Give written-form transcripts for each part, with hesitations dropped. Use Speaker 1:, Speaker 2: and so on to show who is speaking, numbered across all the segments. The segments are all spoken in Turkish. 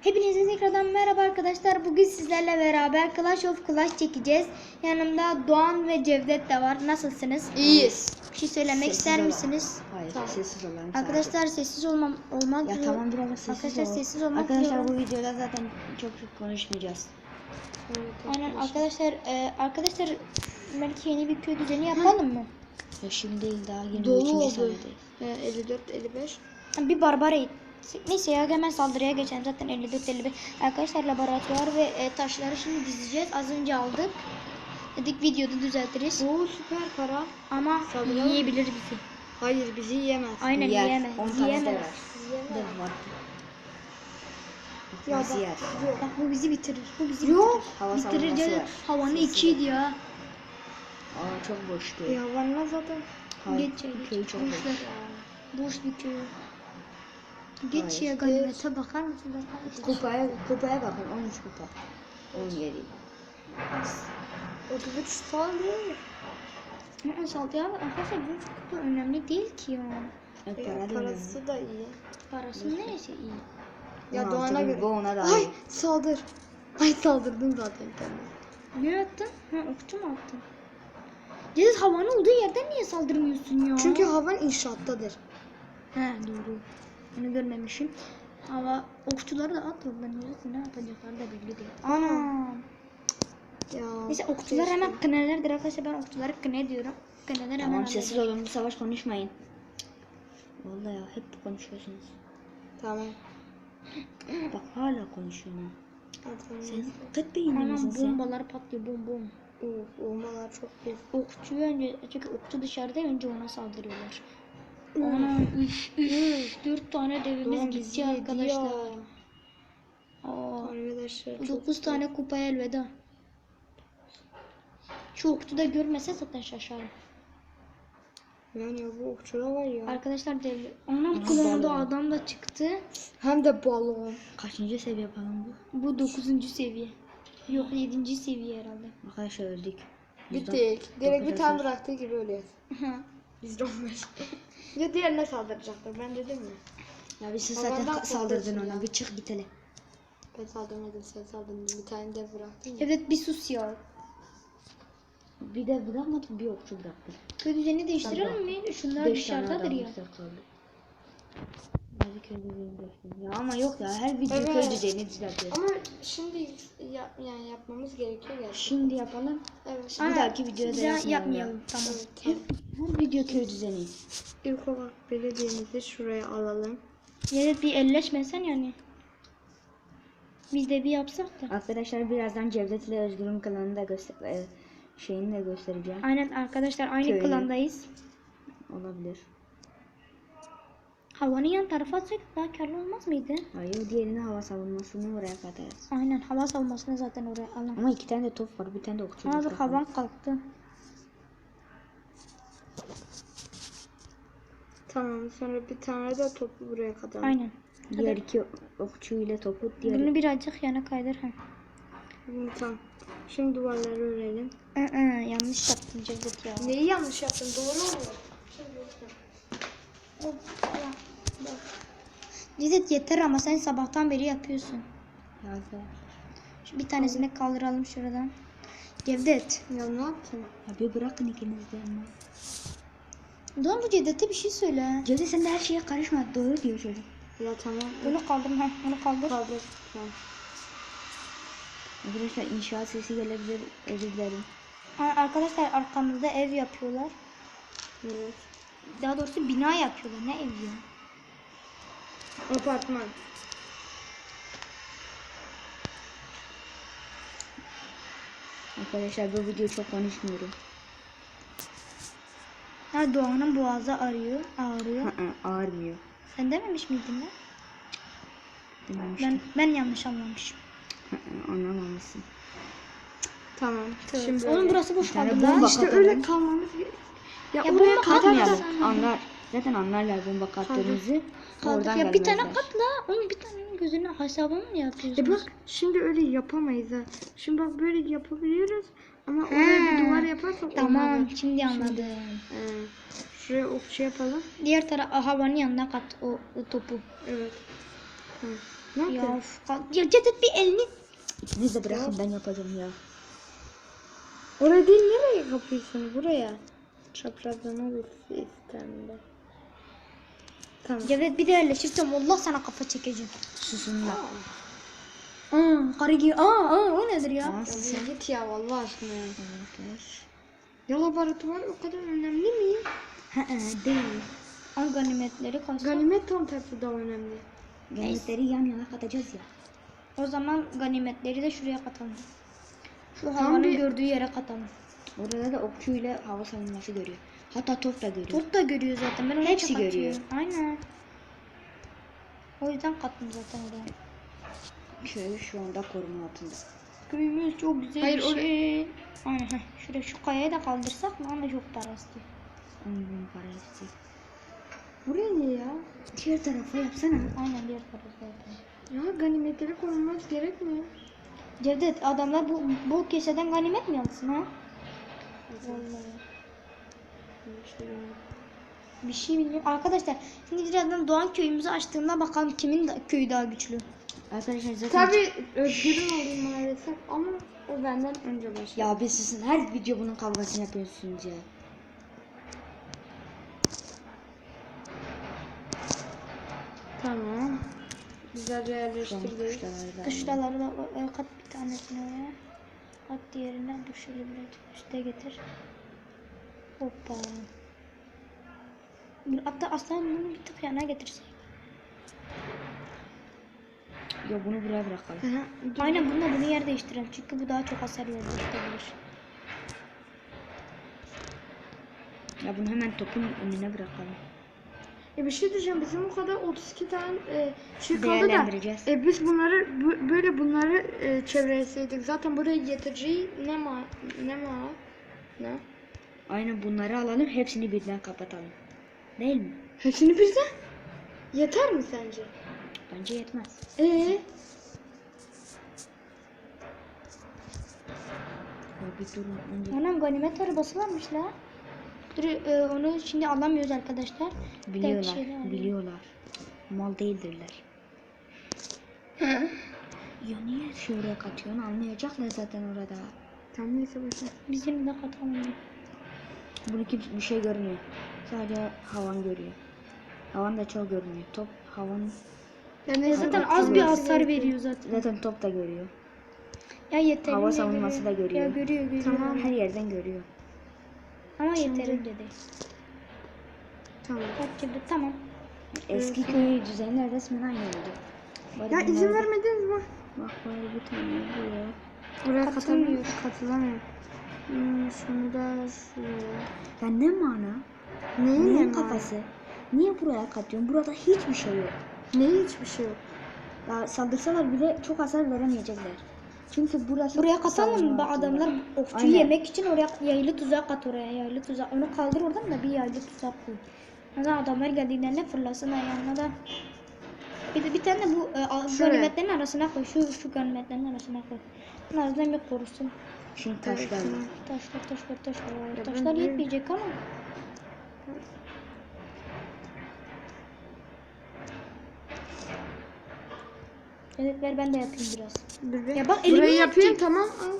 Speaker 1: Hepinize tekrardan merhaba arkadaşlar. Bugün sizlerle beraber Clash of Clash çekeceğiz. Yanımda Doğan ve Cevdet de var. Nasılsınız?
Speaker 2: İyiyiz.
Speaker 1: Bir şey söylemek
Speaker 2: Sessiz
Speaker 1: ister
Speaker 2: olalım.
Speaker 1: misiniz?
Speaker 2: Hayır,
Speaker 3: Tamam.
Speaker 2: sessiz olalım.
Speaker 1: Arkadaşlar sessiz olmak
Speaker 2: Ya tamam biraz sessiz
Speaker 1: Arkadaşlar
Speaker 2: olalım.
Speaker 1: sessiz olmak
Speaker 2: Arkadaşlar bu
Speaker 1: diyorum.
Speaker 2: videoda zaten çok konuşmayacağız.
Speaker 1: Aynen arkadaşlar belki yeni bir köy düzeni yapalım mı?
Speaker 2: Ya şimdi değil daha 23.
Speaker 3: Dolu oldu.
Speaker 2: saniyedeyiz.
Speaker 3: 54-55.
Speaker 1: Bir barbara it. Neyse ya hemen saldırıya geçelim. Zaten 54-55. Arkadaşlar laboratuvar ve taşları şimdi dizeceğiz. Az önce aldık. Dedik videoda düzeltiriz.
Speaker 3: Oo süper para.
Speaker 1: Ama
Speaker 3: Saldıralım.
Speaker 1: yiyebilir bizi.
Speaker 3: Hayır bizi yiyemez.
Speaker 1: Aynen
Speaker 2: Yer,
Speaker 1: yiyemez.
Speaker 2: 10 tane de
Speaker 1: Yiyemez.
Speaker 2: var. De var.
Speaker 3: Ya
Speaker 2: Nasıl yer?
Speaker 1: Bak bu bizi bitirir. Bu bizi
Speaker 3: Yok.
Speaker 2: Hava
Speaker 1: bitirir. Bitirir
Speaker 2: savunması
Speaker 1: canım.
Speaker 2: var.
Speaker 1: Havanı
Speaker 2: Sesi
Speaker 1: 2'ydi ya.
Speaker 2: Aa çok boştu.
Speaker 3: Ya var zaten.
Speaker 2: Hayır,
Speaker 1: Geç ya geç.
Speaker 2: köyü çok boş.
Speaker 1: Boşver. Boş bir köy. Geç
Speaker 2: Hayır.
Speaker 1: ya ganimete bakar mısın?
Speaker 2: Kupaya bakın 13 kupa. 17.
Speaker 3: 33 sal değil.
Speaker 1: Ama saldı ya. Arkadaşlar bu çok da önemli değil ki ya.
Speaker 2: Evet,
Speaker 3: Ya,
Speaker 2: para değil mi?
Speaker 3: parası da iyi.
Speaker 1: Parası neyse iyi.
Speaker 3: Ya
Speaker 2: 16
Speaker 3: Doğan'a
Speaker 2: bin,
Speaker 3: göre.
Speaker 2: bu ona da
Speaker 3: Ay
Speaker 2: iyi.
Speaker 3: saldır. Ay saldırdım zaten kendime.
Speaker 1: Ne attın? Ha okçu mu attın? Cediz havanın olduğu yerden niye saldırmıyorsun ya?
Speaker 3: Çünkü havan inşaattadır.
Speaker 1: He doğru. Onu görmemişim. Hava okçuları da at oradan yürüsün. Ne yapacaklar da belli değil. Ana.
Speaker 3: Ya.
Speaker 1: Neyse okçular
Speaker 3: keşke.
Speaker 1: hemen kınelerdir arkadaşlar. Ben okçuları kıne diyorum. Kıneler hemen
Speaker 2: Tamam sessiz
Speaker 1: halleder.
Speaker 2: olun, bu savaş konuşmayın. Vallahi ya hep konuşuyorsunuz.
Speaker 3: Tamam.
Speaker 2: Bak hala konuşuyorum.
Speaker 3: Tamam.
Speaker 2: Sen kıt beyinli misin
Speaker 1: Anam
Speaker 2: sen?
Speaker 1: bombalar patlıyor bom bom.
Speaker 3: Of olmalar çok iyi.
Speaker 1: Okçu önce çünkü okçu dışarıda önce ona saldırıyorlar. Ana üf 4 tane devimiz
Speaker 3: Doğan bizi
Speaker 1: gitti
Speaker 3: yedi
Speaker 1: arkadaşlar.
Speaker 3: ya.
Speaker 1: Aa,
Speaker 3: Arkadaşlar çok
Speaker 1: 9 tane kupaya elveda. Şu okçu da görmese zaten şaşarım.
Speaker 3: Yani bu okçular var ya.
Speaker 1: Arkadaşlar devli. Anam
Speaker 2: Aha,
Speaker 1: klonda
Speaker 2: balon.
Speaker 1: adam da çıktı.
Speaker 3: Hem de balon.
Speaker 2: Kaçıncı seviye falan bu?
Speaker 1: Bu 9. seviye. Yok 7. seviye herhalde.
Speaker 2: Arkadaşlar öldük.
Speaker 3: Bittik. Direkt bir
Speaker 2: dokuz
Speaker 3: tane
Speaker 2: hasar.
Speaker 3: bıraktığı gibi ölüyoruz. Biz de 15. Ya diğerine saldıracaktır ben dedim mi?
Speaker 2: Ya bir sus
Speaker 3: Havandan
Speaker 2: zaten saldırdın
Speaker 3: korkuyorsun
Speaker 2: ona.
Speaker 3: ya.
Speaker 2: Bir çık git hele.
Speaker 3: Ben saldırmadım sen saldırdın. Bir tane de bıraktın ya.
Speaker 1: Evet bir sus ya.
Speaker 2: Bir de bırakmadın bir okçu bıraktın.
Speaker 1: Köy düzeni değiştirelim mi? Şunlar
Speaker 2: 5 tane
Speaker 1: dışarıdadır
Speaker 2: adam
Speaker 1: ya.
Speaker 2: kaldı. Hadi köy düzeni göstereyim. Ya ama yok ya her video
Speaker 3: Evet.
Speaker 2: köy düzeni düzeltiyor.
Speaker 3: Ama şimdi yani yapmamız gerekiyor gerçekten.
Speaker 2: Şimdi yapalım.
Speaker 3: Evet.
Speaker 2: Bir dahaki videoda
Speaker 1: Güzel
Speaker 2: yapmayalım.
Speaker 1: Tamam.
Speaker 2: Hep her video köy düzeni.
Speaker 3: İlk olarak belediyemizi şuraya alalım.
Speaker 1: Evet bir elleşmesen yani. Biz de bir yapsak da.
Speaker 2: Arkadaşlar birazdan Cevdet ile Özgür'ün klanını da şeyini de göstereceğim.
Speaker 1: Aynen arkadaşlar aynı
Speaker 2: Köyü.
Speaker 1: klandayız.
Speaker 2: Olabilir.
Speaker 1: Havanın yan tarafa atsak daha karlı olmaz mıydı?
Speaker 2: Hayır diğerini hava savunmasını oraya katarız.
Speaker 1: Aynen hava savunmasını zaten oraya alalım.
Speaker 2: Ama 2 tane de top var, bir tane de okçu.
Speaker 1: Aa
Speaker 2: var.
Speaker 1: dur havan kalktı.
Speaker 3: Tamam sonra bir tane de topu buraya kadar.
Speaker 1: Aynen.
Speaker 2: Diğer iki okçu ile topu diğer.
Speaker 1: Bunu birazcık yana kaydır. Ha.
Speaker 3: Tamam. Şimdi duvarları örelim.
Speaker 1: Yanlış yaptın Cevdet ya.
Speaker 3: Neyi yanlış yaptın? Doğru mu?
Speaker 1: Cevdet yeter ama sen sabahtan beri yapıyorsun.
Speaker 2: Ya arkadaşlar.
Speaker 1: Şu bir tanesini kaldıralım şuradan. Cevdet.
Speaker 3: Ya ne yaptın?
Speaker 2: Ya bir bırakın ikiniz de ama.
Speaker 1: Doğan bu Cevdet'e bir şey söyle.
Speaker 2: Cevdet sen de her şeye karışma. Doğru diyor çocuk.
Speaker 3: Ya tamam.
Speaker 1: Bunu kaldır. Ha, onu kaldır.
Speaker 3: Kaldır. Tamam.
Speaker 2: Arkadaşlar inşaat sesi gelebilir. Özür dilerim.
Speaker 1: Arkadaşlar arkamızda ev yapıyorlar.
Speaker 3: Evet.
Speaker 1: Daha doğrusu bina yapıyorlar. Ne ev ya?
Speaker 3: Apartman.
Speaker 2: Arkadaşlar bu video çok konuşmuyorum.
Speaker 1: Ha Doğan'ın boğazı ağrıyor.
Speaker 2: Ağırmıyor.
Speaker 1: Sen dememiş miydin lan?
Speaker 2: Dememiştim.
Speaker 1: Ben yanlış anlamışım.
Speaker 2: Anlamamışsın.
Speaker 3: Tamam. Şimdi
Speaker 1: Oğlum
Speaker 3: öyle.
Speaker 1: burası boş
Speaker 2: Bir tane
Speaker 1: kaldı
Speaker 2: bomba
Speaker 1: lan.
Speaker 3: İşte
Speaker 2: katalım.
Speaker 3: öyle kalmamız gerekiyor. Ya,
Speaker 1: Ya
Speaker 3: oraya
Speaker 1: bomba
Speaker 3: katarsan.
Speaker 1: atmayalım.
Speaker 2: Anlar. Zaten anlarlar bomba kattığımızı.
Speaker 1: Kaldır.
Speaker 2: Oradan
Speaker 1: Ya bir tane
Speaker 2: gelmezler.
Speaker 1: katla. Oğlum bir tanenin gözünü hesabını mı yapıyorsunuz?
Speaker 3: Bak şimdi öyle yapamayız ha. Şimdi bak böyle yapabiliyoruz. Ama oraya bir duvar yaparsak
Speaker 1: Tamam
Speaker 3: olmaz.
Speaker 1: şimdi anladım.
Speaker 3: Şuraya okçu yapalım.
Speaker 1: Diğer taraf havanın yanına kat o topu.
Speaker 3: Evet. Hı. Ne
Speaker 1: Ya,
Speaker 3: yapıyorsun?
Speaker 1: ya Cevdet bir elini.
Speaker 2: İkiniz de bırakın ben yapacağım ya.
Speaker 3: Oraya değil, nereye kapıyorsun? Buraya. Çaprazlama bir sistemde. Tamam.
Speaker 1: Cevdet bir de yerleşirsem Allah sana kafa çekeceğim.
Speaker 2: Susun da.
Speaker 1: Karı gibi. O nedir ya?
Speaker 2: Aa, susun.
Speaker 3: Ya git ya vallahi aşkına ya.
Speaker 2: Arkadaşlar.
Speaker 3: Ya laboratuvar o kadar önemli mi?
Speaker 2: Değil.
Speaker 1: Al ganimetleri kalsın.
Speaker 3: Ganimet tam tersi daha önemli.
Speaker 2: Ganimetleri yan yana katacağız ya.
Speaker 1: O zaman ganimetleri de şuraya katalım. Şu
Speaker 3: Tam
Speaker 1: havanın
Speaker 3: bir-
Speaker 1: gördüğü yere katalım.
Speaker 2: Orada da okçuyla hava savunması görüyor. Hatta top da görüyor.
Speaker 1: Turt da görüyor zaten. Ben onu
Speaker 2: Hepsi
Speaker 1: çok atıyorum.
Speaker 2: görüyor.
Speaker 1: Aynen. O yüzden kattım zaten oraya.
Speaker 2: Köy şu anda koruma altında.
Speaker 1: Köyümüz çok güzel
Speaker 3: Hayır,
Speaker 1: bir şey. Aynen. Şuraya şu kayayı da kaldırsak mı? Ama çok para istiyor.
Speaker 2: 10 bin para istiyor.
Speaker 3: Buraya ne ya?
Speaker 2: Diğer tarafa yapsana.
Speaker 1: Aynen diğer parası zaten.
Speaker 3: Ya ganimetleri korunmaz gerekmiyor.
Speaker 1: Cevdet adamlar bu keseden ganimet mi alsın ha? Vallahi. Bir şey bilmiyorum. Arkadaşlar şimdi birazdan Doğan köyümüzü açtığımda bakalım kimin köyü daha güçlü.
Speaker 2: Arkadaşlar zaten...
Speaker 3: Tabii Özgür'ün olduğu maalesef ama o benden önce başladı.
Speaker 2: Ya bir susun. Her video bunun kavgasını yapıyorsunuz ya.
Speaker 3: Tamam. Güzelce
Speaker 2: Şu an
Speaker 3: yerleştirdik.
Speaker 2: kuşlar
Speaker 1: Kışlaları da kat bir tanesini oraya. Kat diğerinden dur şöyle biraz üste getir. Hoppa. Hatta aslan bunu bir tık yana getirsek.
Speaker 2: Ya bunu buraya bırakalım.
Speaker 1: Aynen bununla bunu yer değiştirelim. Çünkü bu daha çok hasar verebilir.
Speaker 2: Ya bunu hemen topun önüne bırakalım.
Speaker 3: Bir şey diyeceğim, bizim o kadar 32 tane şey kaldı da
Speaker 2: Değerlendireceğiz.
Speaker 3: biz bunları böyle bunları çevreleseydik zaten buraya getireceği ne?
Speaker 2: Aynen bunları alalım. Hepsini birden kapatalım. Değil mi?
Speaker 3: Hepsini birden? Yeter mi sence?
Speaker 2: Bence yetmez. Ya bir durun. Önce...
Speaker 1: Anam ganimet arabası varmış la. Dur onu şimdi alamıyoruz arkadaşlar.
Speaker 2: Biliyorlar.
Speaker 1: şeyler
Speaker 2: Biliyorlar. Mal değildirler. Ya niye şuraya katıyorsun? Almayacaklar zaten orada.
Speaker 3: Tamam neyse boşver.
Speaker 1: Bizim de katalım.
Speaker 2: Bunu kimse bir şey görmüyor. Sadece havan görüyor. Havan da çok görünüyor. Top havan
Speaker 3: Ya neyse
Speaker 1: Zaten
Speaker 3: bak,
Speaker 1: az bir
Speaker 3: burası
Speaker 1: hasar
Speaker 3: gerekiyor.
Speaker 1: veriyor zaten.
Speaker 2: zaten top da görüyor.
Speaker 1: Ya yeterince
Speaker 2: Hava savunması da görüyor.
Speaker 1: Ya görüyor.
Speaker 3: Tamam.
Speaker 2: Her yerden görüyor.
Speaker 1: Ama
Speaker 3: Şimdi-
Speaker 1: yeterince değil.
Speaker 3: Tamam.
Speaker 1: Kaç gibi tamam.
Speaker 2: Eski köy düzenler resmen aynı oldu. Bari
Speaker 3: Ya
Speaker 2: bunlar
Speaker 3: izin
Speaker 2: da-
Speaker 3: vermediniz mi?
Speaker 2: Bak bari bir tane buraya.
Speaker 3: Oraya
Speaker 1: Katılamıyor.
Speaker 3: katılamıyor. Şunu da şuraya.
Speaker 2: Ya ne mana?
Speaker 3: Neyin
Speaker 2: Neyin
Speaker 3: ne
Speaker 2: kafası? Niye buraya katıyorsun? Burada hiçbir şey yok.
Speaker 3: Neyin hiçbir şey yok.
Speaker 2: Ya saldırsalar bile çok hasar veremeyecekler. Çünkü burası
Speaker 1: Buraya katalım
Speaker 2: savunma
Speaker 1: mı?
Speaker 2: altında.
Speaker 1: Adamlar okçuyu
Speaker 2: Aynen.
Speaker 1: yemek için oraya yaylı tuzak at oraya. Yaylı tuzak. Onu kaldır oradan da bir yaylı tuzak koy. Neden adamlar geldiğinde fırlasın ayağına da. Bir tane de bu
Speaker 3: Şuraya.
Speaker 1: ganimetlerin arasına koy. Şu ganimetlerin arasına koy. Bunun arasından bir korusun.
Speaker 2: Şimdi taşlarla.
Speaker 1: Taşlar.
Speaker 3: ben
Speaker 1: Taşlar
Speaker 3: de-
Speaker 1: yetmeyecek ama. Evet ver ben de yapayım biraz.
Speaker 3: Dur
Speaker 1: Ya bak, elimi
Speaker 3: burayı yapayım
Speaker 1: yapacak.
Speaker 3: tamam al.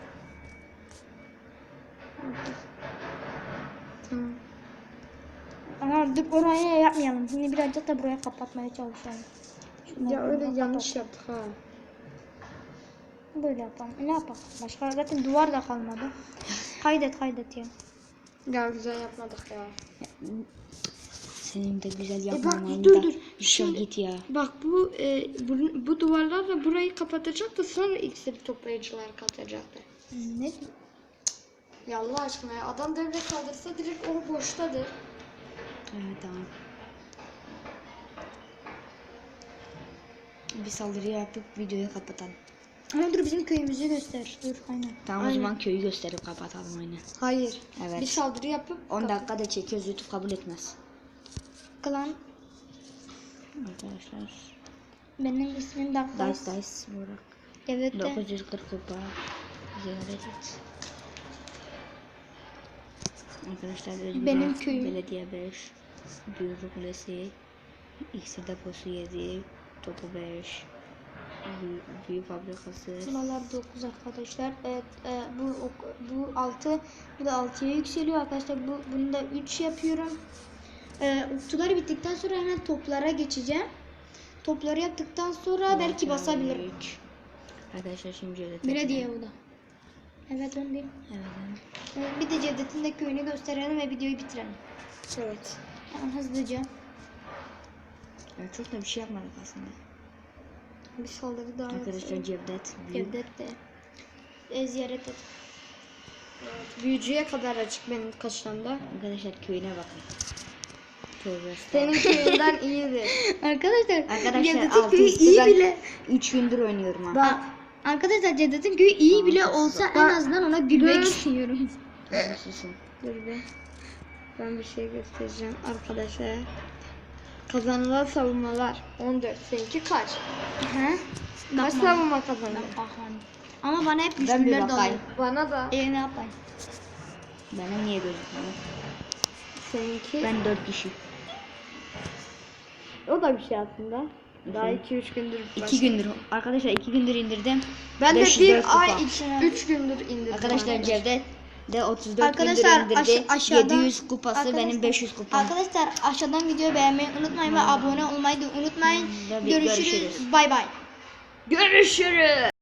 Speaker 3: Tamam.
Speaker 1: Ama dur oraya yapmayalım. Şimdi birazcık da buraya kapatmaya çalışalım. Şunları
Speaker 3: Ya öyle
Speaker 1: buradan
Speaker 3: yanlış
Speaker 1: kapat.
Speaker 3: yaptık ha.
Speaker 1: Böyle yapalım. Ne yapalım? Başka zaten duvar da kalmadı. Kaydet ya.
Speaker 3: Ya güzel yapmadık ya.
Speaker 2: Senin de güzel
Speaker 3: bak,
Speaker 2: yapmaman
Speaker 3: dur,
Speaker 2: da.
Speaker 3: dur.
Speaker 2: Şuna
Speaker 3: Şimdi-
Speaker 2: git ya.
Speaker 3: Bak bu duvarlarla burayı kapatacak da sonra iksir toplayıcılar katacaktı.
Speaker 1: Ne?
Speaker 3: Ya Allah aşkına ya adam devre kaldırsa direkt o boştadır.
Speaker 2: Evet tamam. Bir saldırı yapıp videoyu kapatalım.
Speaker 1: Ama dur bizim köyümüzü göster. Dur aynen.
Speaker 2: Tamam o zaman köyü gösterip kapatalım aynen.
Speaker 3: Hayır.
Speaker 2: Evet.
Speaker 3: Bir saldırı yapıp
Speaker 2: 10 dakika da çekiyoruz, YouTube kabul etmez.
Speaker 1: Klan
Speaker 2: Arkadaşlar.
Speaker 1: benim ismim Daklas.
Speaker 2: Dice Burak.
Speaker 1: Evet de.
Speaker 2: 940 kupa. Ziyaret et. Arkadaşlar Özgür
Speaker 1: Benim
Speaker 2: Bey,
Speaker 1: köyüm.
Speaker 2: Belediye 5. Büyürü Kulesi. İksir deposu 7. Topu 5. Büyü fabrikası.
Speaker 1: Buralar 9 arkadaşlar. Evet, bu 6, bu da 6'ya yükseliyor arkadaşlar. Bunu da 3 yapıyorum. Okçular bittikten sonra hemen toplara geçeceğim. Topları yaptıktan sonra belki basabilirim.
Speaker 2: Arkadaşlar şimdi Cevdet.
Speaker 1: Bire diye bu da. Evet onu değil.
Speaker 2: Evet.
Speaker 1: Bir de Cevdet'in de köyünü gösterelim ve videoyu bitirelim.
Speaker 3: Evet.
Speaker 1: Hemen hızlıca.
Speaker 2: Evet, çok da bir şey yapmadık aslında.
Speaker 1: Bir saldırı daha
Speaker 2: Arkadaşlar
Speaker 1: yapalım.
Speaker 2: Cevdet.
Speaker 1: Cevdet de ziyaret et.
Speaker 3: Büyücüye kadar açık benim kaşlamda.
Speaker 2: Arkadaşlar köyüne bakın. Tövbe
Speaker 3: Senin köyünden iyidir.
Speaker 1: Arkadaşlar
Speaker 2: Cevdet'in
Speaker 1: Cevdet'in köyü iyi bile.
Speaker 2: 3 gündür oynuyorum ha.
Speaker 3: Bak.
Speaker 1: Arkadaşlar Cevdet'in köyü iyi bile
Speaker 2: Tamam,
Speaker 1: olsa
Speaker 3: bak.
Speaker 1: en azından ona gülmek
Speaker 3: Dur.
Speaker 1: istiyorum.
Speaker 2: Susun.
Speaker 3: Dur be. Ben bir şey göstereceğim arkadaşlar. Kazanılan savunmalar 14. Seninki kaç?
Speaker 1: He?
Speaker 3: Kaç
Speaker 1: Bakmam.
Speaker 3: savunma kazandın?
Speaker 1: Ama bana hep
Speaker 2: Ben bir
Speaker 1: güçlüler dalıyor.
Speaker 2: bakayım.
Speaker 3: Bana da.
Speaker 1: Ne yapayım?
Speaker 2: Benim niye gözükmüyor?
Speaker 3: Seninki.
Speaker 2: Ben 4 kişi.
Speaker 3: O da bir şey aslında. Daha 2-3 gündür.
Speaker 2: 2 gündür. Arkadaşlar 2 gündür indirdim.
Speaker 3: Ben de
Speaker 2: 504
Speaker 3: bir ay
Speaker 2: kupa.
Speaker 3: 3 gündür indirdim.
Speaker 2: Arkadaşlar Cevdet de 34
Speaker 1: Arkadaşlar,
Speaker 2: gündür indirdi.
Speaker 1: aşağıdan-
Speaker 2: 700 kupası benim 500 kupam.
Speaker 1: Arkadaşlar aşağıdan videoyu beğenmeyi unutmayın ve abone olmayı da unutmayın.
Speaker 2: Tabii,
Speaker 1: Görüşürüz.
Speaker 2: görüşürüz.
Speaker 1: Bay bay.
Speaker 3: Görüşürüz.